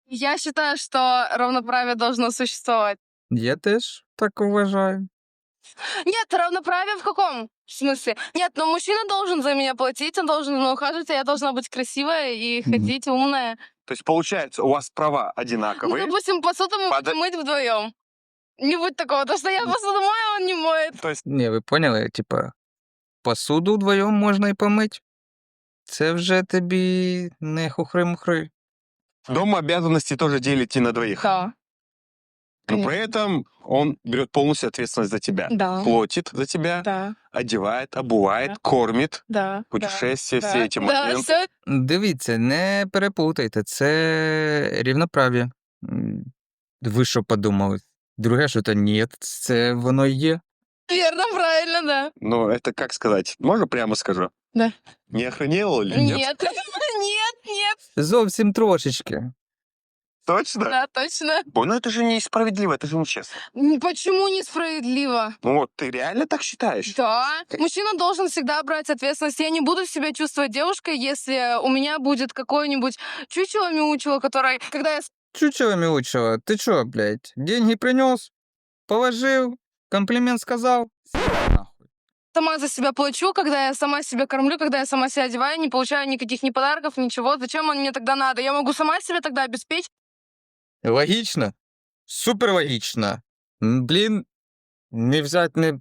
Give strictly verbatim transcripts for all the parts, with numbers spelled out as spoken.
Я считаю, что равноправие должно существовать. Я теж так вважаю. Нет, равноправие в каком смысле? Нет, но мужчина должен за меня платить, он должен за мной ухаживать, а я должна быть красивая и Мгм. ходить умная. То есть, получается, у вас права Ну, одинаковые. допустим, посуду мы Подо- будем мыть вдвоем. Не будет такого, то что я посуду мою, а он не моет. То есть, Ні, ви поняли? Типа, посуду вдвоєм можна і помить. Це вже тобі не хухри-мухри. дома обязанности тоже делите на двоих. Да, Но при этом он берет полностью ответственность за тебя. да, Платит за тебя, да, одевает, обувает, Да. кормит, да. путешествия, да, все эти да, моменты. все. Дивіться, не переплутайте, це рівноправ'я. М, Ви що подумали? Друге, що то ні, це воно і є. Верно, правильно, да. Но это, как сказать, можно прямо скажу? Да. Не охренел или нет? Нет, нет, нет. Зовсім трошечки. Точно? Да, точно. Ой, ну это же несправедливо, это же нечестно. М, Почему несправедливо? Ну вот, ты реально так считаешь? Да. Мужчина должен всегда брать ответственность. Я не буду себя чувствовать девушкой, если у меня будет какое-нибудь чучело-мяучело, которое, когда я Чучело мяучело, ты чё, блядь, деньги принес, положил, комплимент сказал? Нахуй. сама за себя плачу, когда я сама себя кормлю, когда я сама себя одеваю, не получаю никаких ни подарков, ничего. Зачем он мне тогда надо? Я могу сама себя тогда обеспечить. Логично? Супер логично. М, Блін, не взять не...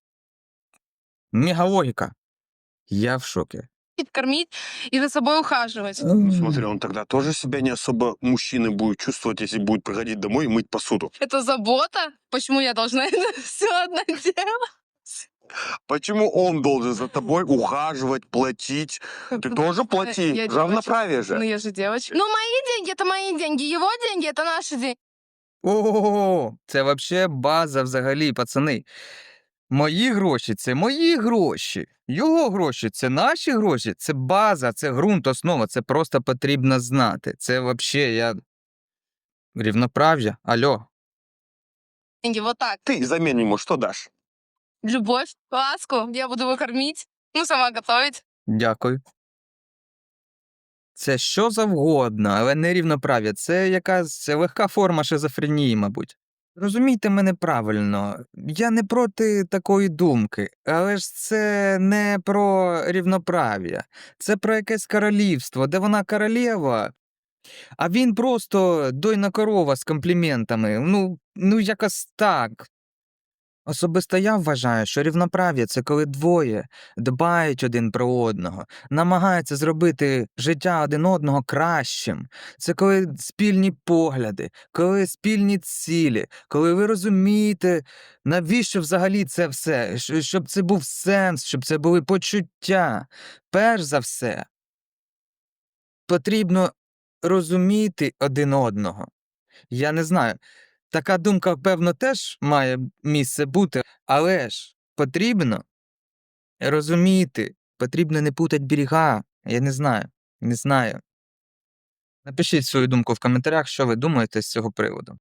Мегалогіка. Я в шокі. Кормить и за собой ухаживать. Ну, смотри, он тогда тоже себя не особо мужчиной будет чувствовать, если будет приходить домой и мыть посуду. Это забота. Почему я должна это все одна делать? Почему он должен за тобой ухаживать, платить? Ты тоже плати. Я Равноправие девочка. Ну же. я же девочка. Ну мои деньги это мои деньги, его деньги это наши деньги. О, це вообще база взагалі, пацани. Мої гроші це мої гроші. Його гроші це наші гроші. Це база, це ґрунт, основа. Це просто потрібно знати. Це вообще я. Рівноправ'я. Алло. Деньги вот так. Ты взамен ему что дашь? Любовь, ласку я буду его кормить, ну сама готовить. Дякую. Це що завгодно, але не рівноправ'я. Це якась легка форма шизофренії, мабуть. Розумійте мене правильно, я не проти такої думки, але ж це не про рівноправ'я. Це про якесь королівство, де вона королева, а він просто дойна корова з компліментами. Ну, ну якось так. Особисто я вважаю, що рівноправ'я – це коли двоє дбають один про одного, намагаються зробити життя один одного кращим. Це коли спільні погляди, коли спільні цілі, коли ви розумієте, навіщо взагалі це все, щ- щоб це був сенс, щоб це були почуття. Перш за все, потрібно розуміти один одного. Я не знаю. Така думка, певно, теж має місце бути, але ж потрібно розуміти, потрібно не путати берега. Я не знаю, не знаю. Напишіть свою думку в коментарях, що ви думаєте з цього приводу.